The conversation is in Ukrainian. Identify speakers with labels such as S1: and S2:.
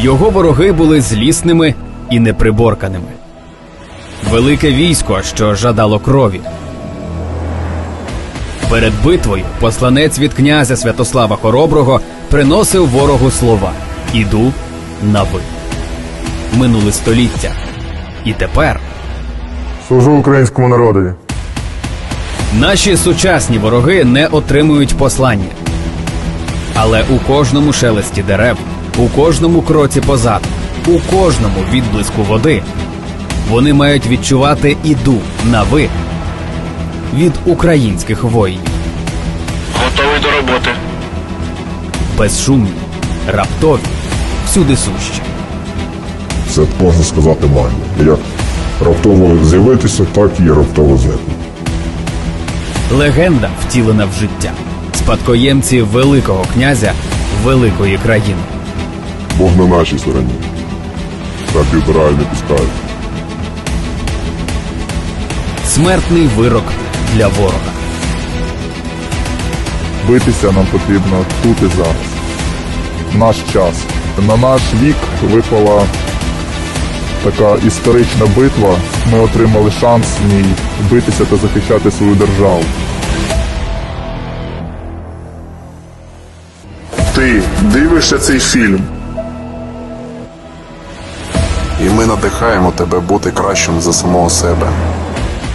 S1: Його вороги були злісними і неприборканими. Велике військо, що жадало крові. Перед битвою посланець від князя Святослава Хороброго приносив ворогу слова «Іду на ви». Минули століття. І тепер
S2: Служу українському народові.
S1: наші сучасні вороги не отримують послання. Але у кожному шелесті дерев, у кожному кроці позаду, у кожному відблиску води вони мають відчувати «Іду на ви» від українських воїнів.
S3: Готовий до роботи.
S1: Безшумні, раптові, всюди сущі.
S2: Це, можна сказати, магія. Як раптово з'явитися, так і раптово зникнути.
S1: Легенда, втілена в життя. Спадкоємці великого князя великої країни.
S2: Бог на нашій стороні. Так підбираю, не пускають.
S1: Смертний вирок для ворога.
S4: Битися нам потрібно тут і зараз. Наш час. На наш вік випала така історична битва. Ми отримали шанс в ній битися та захищати свою державу.
S5: Ти дивишся цей фільм. І ми надихаємо тебе бути кращим за самого себе.